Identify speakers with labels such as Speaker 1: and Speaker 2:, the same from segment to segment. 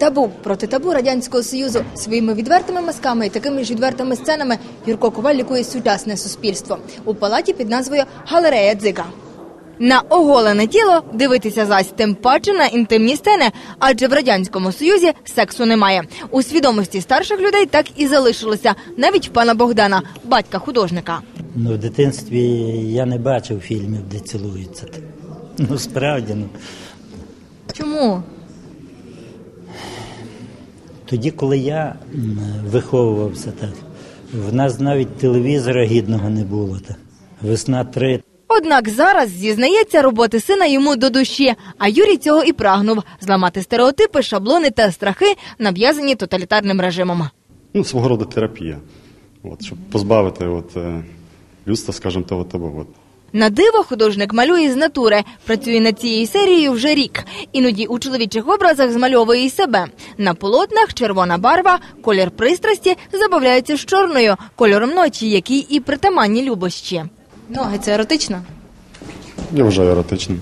Speaker 1: Табу проти табу Радянського Союзу. Своїми відвертими мазками і такими ж відвертими сценами Юрко Коваль лікує сучасне суспільство. У палаті під назвою «Галерея Дзига». На оголене тіло дивитися зась, тим паче на інтимні сцени, адже в Радянському Союзі сексу немає. У свідомості старших людей так і залишилося, навіть в пана Богдана, батька художника.
Speaker 2: В дитинстві я не бачив фільмів, де цілуються. Справді.
Speaker 1: Чому?
Speaker 2: Тоді, коли я виховувався, в нас навіть телевізора гідного не було. «Весна-3».
Speaker 1: Однак зараз, зізнається, роботи сина йому до душі. А Юрій цього і прагнув – зламати стереотипи, шаблони та страхи, нав'язані тоталітарним режимом.
Speaker 3: Свого роду терапія, щоб позбавити людства, скажімо, того табу.
Speaker 1: На диво художник малює з натури. Працює над цією серією вже рік. Іноді у чоловічих образах змальовує і себе. На полотнах червона барва, колір пристрасті забавляється з чорною, кольором ночі, який і притаманні любощі. Ноги – це еротично?
Speaker 3: Я вважаю еротичним.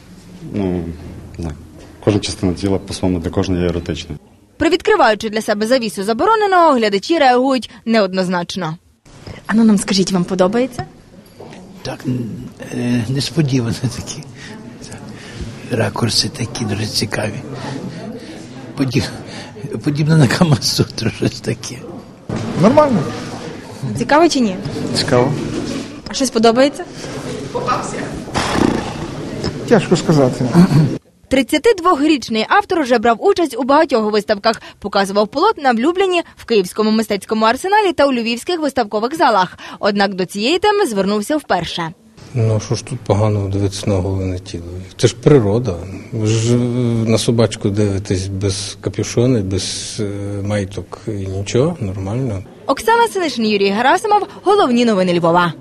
Speaker 3: Кожна частина тіла по-своєму для кожної є еротичною.
Speaker 1: Привідкриваючи для себе завісу забороненого, глядачі реагують неоднозначно. Ану нам скажіть, вам подобається?
Speaker 4: Так, несподівано такі. Ракурси такі дуже цікаві. Подібно на Камасутру, щось таке.
Speaker 5: Нормально.
Speaker 1: Цікаво чи ні?
Speaker 5: Цікаво.
Speaker 1: А щось подобається?
Speaker 5: Тяжко сказати.
Speaker 1: 32-річний автор вже брав участь у багатьох виставках. Показував полотна в Любліні, в Київському мистецькому арсеналі та у львівських виставкових залах. Однак до цієї теми звернувся вперше.
Speaker 6: Що ж тут поганого дивитися на оголене тіло? Це ж природа. Ви ж на собачку дивитесь без капюшони, без маєток і нічого, нормально.
Speaker 1: Оксана Синишин, Юрій Герасимов. Головні новини Львова.